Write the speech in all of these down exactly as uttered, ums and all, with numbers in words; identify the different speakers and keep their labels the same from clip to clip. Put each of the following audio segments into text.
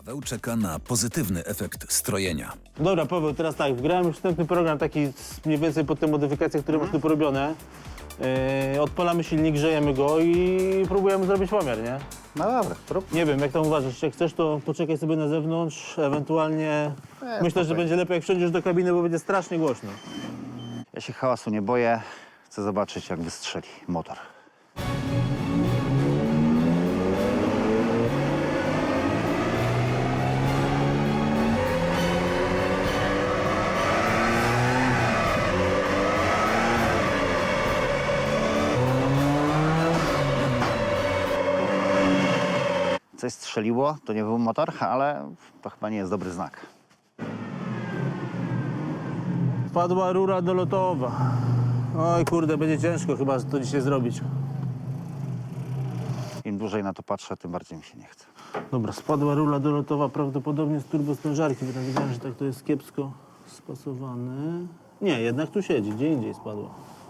Speaker 1: Paweł czeka na pozytywny efekt strojenia.
Speaker 2: Dobra, Paweł, teraz tak, wgrałem już wstępny program taki z- mniej więcej pod te modyfikacje, które masz tu porobione. Yy, odpalamy silnik, grzejemy go i próbujemy zrobić pomiar, nie?
Speaker 3: No dobra, prób.
Speaker 2: Nie wiem, jak tam uważasz, jak chcesz, to poczekaj sobie na zewnątrz, ewentualnie... Myślę, że
Speaker 3: spokojnie.
Speaker 2: będzie lepiej, jak wsiądziesz do kabiny, bo będzie strasznie głośno.
Speaker 3: Ja się hałasu nie boję. Chcę zobaczyć, jak wystrzeli motor. Coś strzeliło, to nie był motor, ale to chyba nie jest dobry znak.
Speaker 2: Wpadła rura dolotowa. Oj kurde, będzie ciężko chyba to dzisiaj zrobić.
Speaker 3: Im dłużej na to patrzę, tym bardziej mi się nie chce.
Speaker 2: Dobra, spadła rura dolotowa prawdopodobnie z turbostężarki, bo tam widziałem, że tak to jest kiepsko spasowane. Nie, jednak tu siedzi, gdzie indziej spadła.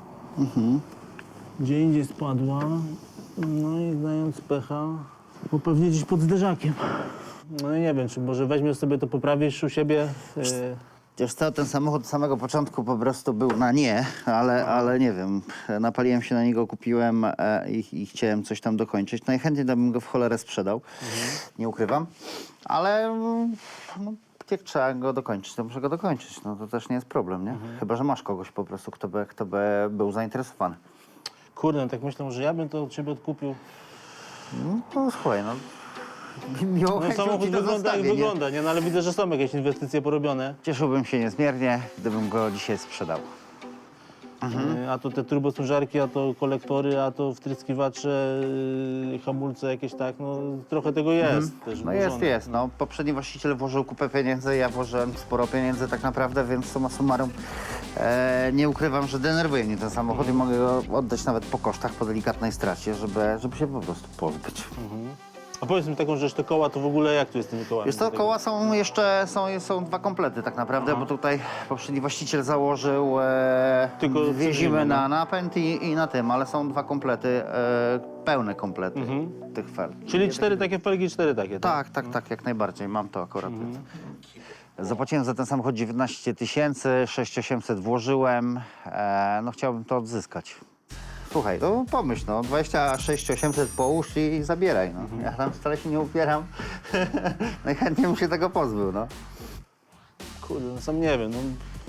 Speaker 2: Gdzie indziej spadła, no i znając pecha, bo pewnie gdzieś pod zderzakiem. No i nie wiem, czy może weźmiesz sobie to, poprawisz u siebie. Yy,
Speaker 3: Wiesz co, ten samochód od samego początku po prostu był na nie, ale, ale nie wiem, napaliłem się na niego, kupiłem e, i, i chciałem coś tam dokończyć. Najchętniej to bym go w cholerę sprzedał, nie ukrywam, ale mm, no, jak trzeba go dokończyć, to muszę go dokończyć. No to też nie jest problem, nie? Chyba że masz kogoś po prostu, kto by, kto by był zainteresowany.
Speaker 2: Kurde, no tak myślę, że ja bym to od ciebie odkupił.
Speaker 3: No to słuchaj, no. Miło
Speaker 2: No samochód wygląda jak wygląda, nie? No ale widzę, że są jakieś inwestycje porobione.
Speaker 3: Cieszyłbym się niezmiernie, gdybym go dzisiaj sprzedał.
Speaker 2: Yy, A to te turbostężarki, a to kolektory, a to wtryskiwacze, yy, hamulce jakieś tak, no trochę tego jest też
Speaker 3: No jest,
Speaker 2: włożone.
Speaker 3: jest. No, poprzedni właściciel włożył kupę pieniędzy, ja włożyłem sporo pieniędzy tak naprawdę, więc summa summarum e, nie ukrywam, że denerwuje mnie ten samochód i mogę go oddać nawet po kosztach, po delikatnej stracie, żeby, żeby się po prostu pozbyć.
Speaker 2: A powiedz mi taką rzecz, te koła to w ogóle jak tu jest z tymi kołami?
Speaker 3: Wiesz co, koła są jeszcze, są, są dwa komplety tak naprawdę, bo tutaj poprzedni właściciel założył e,
Speaker 2: Tylko
Speaker 3: dwie
Speaker 2: co
Speaker 3: zimy
Speaker 2: innego,
Speaker 3: na napęd i, i na tym, ale są dwa komplety, e, pełne komplety tych fel.
Speaker 2: Czyli cztery takie felgi, cztery takie, tak?
Speaker 3: Tak, tak, tak, jak najbardziej. Mam to akurat. Zapłaciłem za ten samochód dziewiętnaście tysięcy, sześć tysięcy osiemset włożyłem. E, no chciałbym to odzyskać. Słuchaj, no pomyśl, no dwadzieścia sześć tysięcy osiemset połóż i zabieraj, no. Ja tam wcale się nie upieram. Najchętniej bym się tego pozbył, no.
Speaker 2: Kurde, no sam nie wiem, no.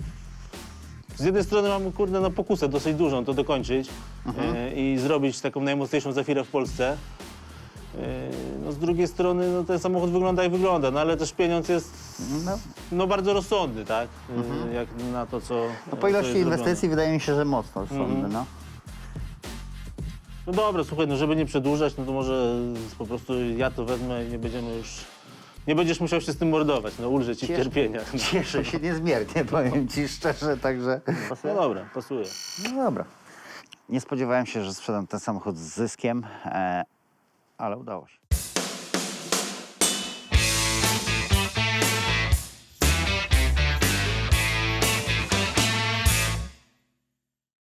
Speaker 2: Z jednej strony mam, kurde, no pokusę dosyć dużą to dokończyć yy, i zrobić taką najmocniejszą Zafirę w Polsce. Yy, no z drugiej strony, no ten samochód wygląda jak wygląda, no ale też pieniądz jest,
Speaker 3: No,
Speaker 2: no bardzo rozsądny, tak? Yy, jak na to, co
Speaker 3: no po
Speaker 2: co
Speaker 3: ilości
Speaker 2: jest
Speaker 3: inwestycji
Speaker 2: zrobione.
Speaker 3: wydaje mi się, że mocno sądy, no.
Speaker 2: No dobra, słuchaj, no żeby nie przedłużać, no to może po prostu ja to wezmę i nie będziemy już... Nie będziesz musiał się z tym mordować, no ulżę ci w
Speaker 3: Cieszę-
Speaker 2: cierpieniach.
Speaker 3: Cieszę się niezmiernie, powiem ci szczerze, także...
Speaker 2: No dobra, pasuje.
Speaker 3: No dobra. Nie spodziewałem się, że sprzedam ten samochód z zyskiem, e, ale udało się.